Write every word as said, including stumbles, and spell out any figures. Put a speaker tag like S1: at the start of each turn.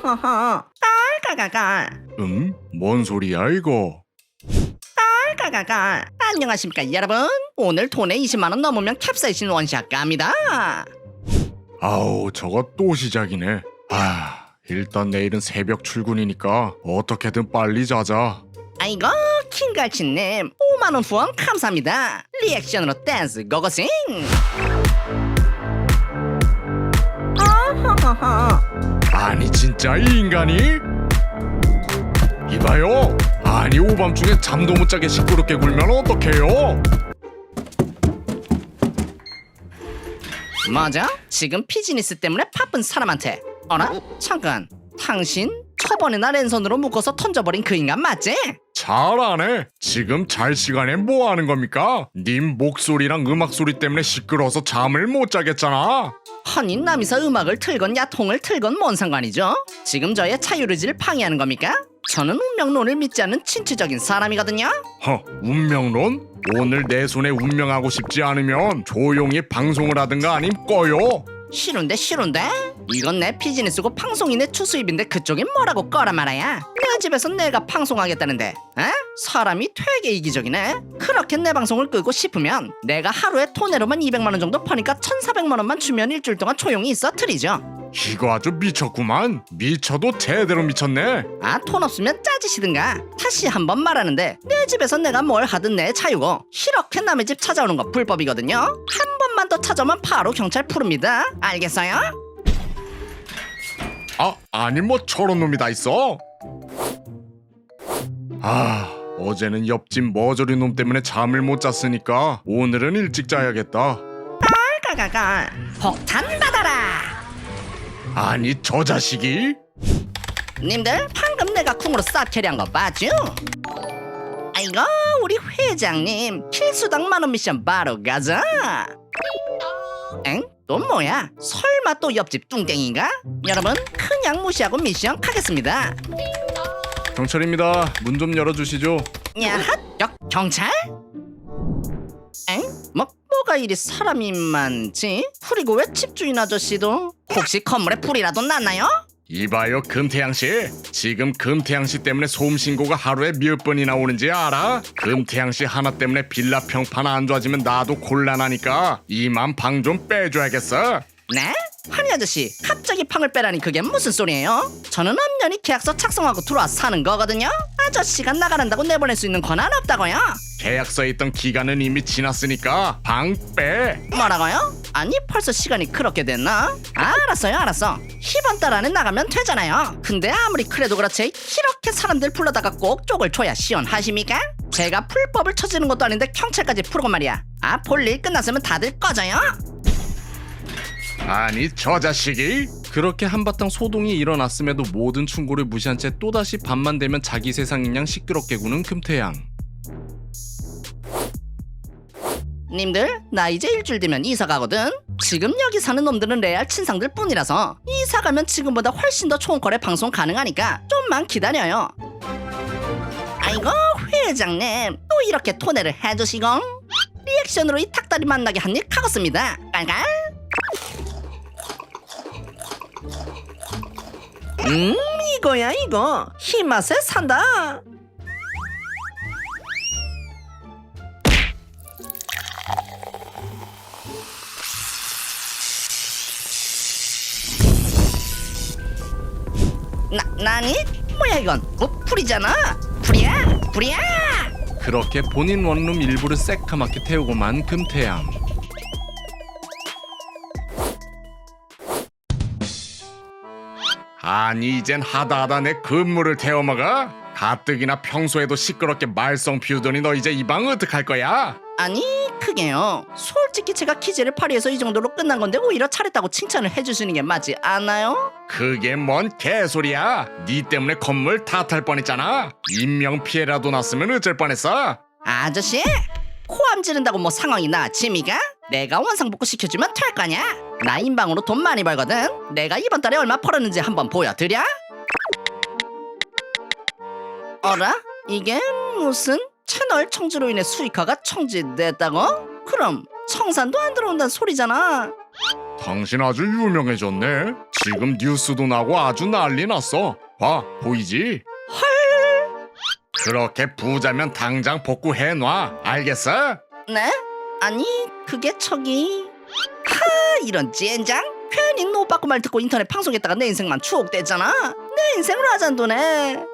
S1: 허허허 깔깔깔깔
S2: 음? 뭔 소리야 이거?
S1: 깔깔깔깔. 안녕하십니까 여러분. 오늘 돈에 이십만 원 넘으면 캡사이신 원샷 갑니다.
S2: 아우 저거 또 시작이네. 아 일단 내일은 새벽 출근이니까 어떻게든 빨리 자자.
S1: 아이고 킹갈치님 오만 원 후원 감사합니다. 리액션으로 댄스 고고싱. 어허허허.
S2: 아니 진짜 이 인간이? 이봐요. 아니 오밤중에 잠도 못 자게 시끄럽게 굴면 어떡해요?
S1: 뭐죠? 지금 비즈니스 때문에 바쁜 사람한테. 어라? 잠깐. 당신 저번에 나 랜선으로 묶어서 던져버린 그 인간 맞지?
S2: 잘하네. 지금 잘 시간에 뭐 하는 겁니까? 님 목소리랑 음악 소리 때문에 시끄러워서 잠을 못 자겠잖아.
S1: 아니 남이서 음악을 틀건 야통을 틀건 뭔 상관이죠? 지금 저의 자유의지를 방해하는 겁니까? 저는 운명론을 믿지 않는 진취적인 사람이거든요.
S2: 허, 운명론? 오늘 내 손에 운명하고 싶지 않으면 조용히 방송을 하든가 아님 꺼요.
S1: 싫은데 싫은데? 이건 내 비즈니스고 방송이 내 추수입인데 그쪽이 뭐라고 꺼라 말아야. 내 집에서 내가 방송하겠다는데 에? 사람이 되게 이기적이네. 그렇게 내 방송을 끄고 싶으면 내가 하루에 토네로만 이백만 원 정도 퍼니까 천사백만 원만 주면 일주일 동안 조용히 있어 드리죠.
S2: 이거 아주 미쳤구만. 미쳐도 제대로 미쳤네.
S1: 아, 돈 없으면 짜지시든가. 다시 한번 말하는데 내 집에서 내가 뭘 하든 내 자유고 이렇게 남의 집 찾아오는 거 불법이거든요. 한 번만 더 찾아오면 바로 경찰 부릅니다. 알겠어요?
S2: 아, 아니 뭐 저런 놈이 다 있어? 아, 어제는 옆집 머저리 놈 때문에 잠을 못 잤으니까 오늘은 일찍 자야겠다.
S1: 깔깔깔깔. 폭탄 받아라.
S2: 아니 저 자식이?
S1: 님들 방금 내가 쿵으로 쌉 캐리한 거 봤죠? 아이고 우리 회장님 필수당 만원 미션 바로 가자. 엥? 또 뭐야? 설마 또 옆집 뚱땡인가? 여러분 그냥 무시하고 미션 가겠습니다.
S2: 경찰입니다. 문 좀 열어주시죠.
S1: 야핫 역 경찰? 엥? 뭐 뭐가 이리 사람이 많지? 그리고 왜 집주인 아저씨도? 혹시 건물에 불이라도 났나요?
S2: 이봐요 금태양씨. 지금 금태양씨 때문에 소음 신고가 하루에 몇 번이나 오는지 알아? 금태양씨 하나 때문에 빌라 평판 안 좋아지면 나도 곤란하니까 이만 방 좀 빼줘야겠어.
S1: 네? 환희 아저씨 갑자기 팡을 빼라니 그게 무슨 소리예요? 저는 엄연히 계약서 작성하고 들어와서 사는 거거든요. 아저씨가 나가란다고 내보낼 수 있는 권한 없다고요.
S2: 계약서에 있던 기간은 이미 지났으니까 방 빼.
S1: 뭐라고요? 아니 벌써 시간이 그렇게 됐나? 아, 알았어요 알았어. 이번 달 안에 나가면 되잖아요. 근데 아무리 그래도 그렇지 이렇게 사람들 불러다가 꼭 쪽을 줘야 시원하십니까? 제가 불법을 쳐지는 것도 아닌데 경찰까지 부르고 말이야. 아, 볼일 끝났으면 다들 꺼져요.
S2: 아니 저 자식이?
S3: 그렇게 한바탕 소동이 일어났음에도 모든 충고를 무시한 채 또다시 밤만 되면 자기 세상인 양 시끄럽게 구는 금태양.
S1: 님들 나 이제 일주일 뒤면 이사 가거든. 지금 여기 사는 놈들은 레알 친상들 뿐이라서 이사 가면 지금보다 훨씬 더 좋은 거래 방송 가능하니까 좀만 기다려요. 아이고 회장님 또 이렇게 토네를 해주시고 리액션으로 이 닭다리 만나게 한 일 가겠습니다. 깔깔. 음 이거야 이거 이 맛에 산다. 나, 나니? 뭐야 이건? 뭐 풀이잖아. 풀이야 풀이야.
S3: 그렇게 본인 원룸 일부를 새카맣게 태우고만 금태양.
S2: 아니 이젠 하다하다 내 근무를 태워먹어? 가뜩이나 평소에도 시끄럽게 말썽 피우더니 너 이제 이 방 어떡할 거야?
S1: 아니 그게요 솔직히 제가 퀴즈를 파리해서 이 정도로 끝난 건데 오히려 잘했다고 칭찬을 해주시는 게 맞지 않나요?
S2: 그게 뭔 개소리야. 니 때문에 건물 다 탈 뻔했잖아. 인명피해라도 났으면 어쩔 뻔했어.
S1: 아저씨 코암 지른다고 뭐 상황이 나아집니까? 내가 원상복구 시켜주면 될 거냐? 나 인방으로 돈 많이 벌거든. 내가 이번 달에 얼마 벌었는지 한번 보여드려? 어라? 이게 무슨 채널 청지로 인해 수익화가 청지됐다고? 그럼 청산도 안 들어온다는 소리잖아.
S2: 당신 아주 유명해졌네. 지금 뉴스도 나고 아주 난리 났어. 봐, 보이지?
S1: 헐.
S2: 그렇게 부자면 당장 복구해놔. 알겠어?
S1: 네? 아니 그게 저기 하 이런 젠장. 괜히 너 빠꾸 말 듣고 인터넷 방송했다가 내 인생만 추억됐잖아. 내 인생을 하잔도네.